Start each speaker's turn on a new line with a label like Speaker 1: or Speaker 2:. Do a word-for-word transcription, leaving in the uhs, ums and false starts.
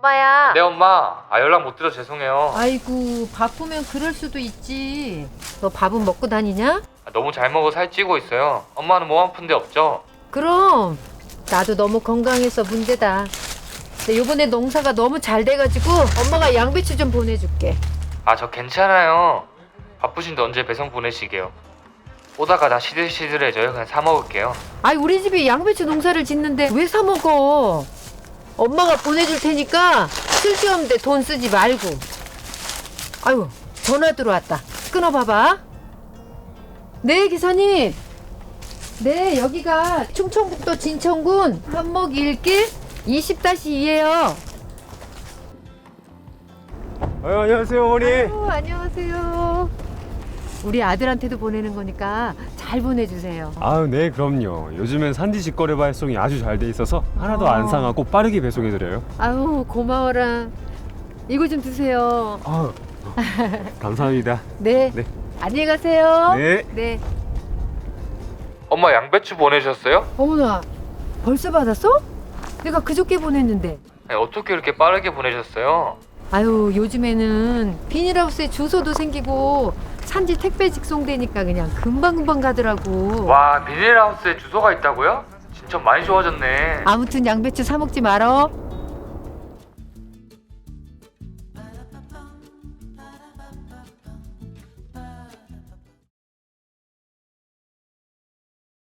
Speaker 1: 오빠야.
Speaker 2: 네 엄마. 아 연락 못 드려 죄송해요.
Speaker 1: 아이고 바쁘면 그럴 수도 있지. 너 밥은 먹고 다니냐?
Speaker 2: 아, 너무 잘 먹어 살찌고 있어요. 엄마는 몸 아픈 데 없죠?
Speaker 1: 그럼 나도 너무 건강해서 문제다. 근데 요번에 농사가 너무 잘 돼가지고 엄마가 양배추 좀 보내줄게.
Speaker 2: 아 저 괜찮아요. 바쁘신데 언제 배송 보내시게요. 오다가 다 시들시들해져요. 그냥 사 먹을게요.
Speaker 1: 아이 우리 집이 양배추 농사를 짓는데 왜 사 먹어? 엄마가 보내줄 테니까 쓸데없는데 돈 쓰지 말고. 아유 전화 들어왔다. 끊어봐봐. 네 기사님. 네 여기가 충청북도 진천군 한목 일길 이십 이에요.
Speaker 3: 아유, 안녕하세요 어머니.
Speaker 1: 아유, 안녕하세요. 우리 아들한테도 보내는 거니까 잘 보내주세요.
Speaker 3: 아유 네 그럼요. 요즘엔 산지 직거래 발송이 아주 잘 돼 있어서 하나도
Speaker 1: 어.
Speaker 3: 안 상하고 빠르게 배송해드려요.
Speaker 1: 아유 고마워라. 이거 좀 드세요.
Speaker 3: 아유 감사합니다.
Speaker 1: 네.
Speaker 3: 네.
Speaker 1: 안녕히 가세요.
Speaker 3: 네.
Speaker 1: 네.
Speaker 2: 엄마 양배추 보내셨어요?
Speaker 1: 어머나 벌써 받았어? 내가 그저께 보냈는데.
Speaker 2: 아니, 어떻게 이렇게 빠르게 보내셨어요?
Speaker 1: 아유 요즘에는 비닐하우스에 주소도 생기고 산지 택배 직송되니까 그냥 금방금방 가더라고.
Speaker 2: 와 비닐하우스에 주소가 있다고요? 진짜 많이 좋아졌네.
Speaker 1: 아무튼 양배추 사 먹지 말어.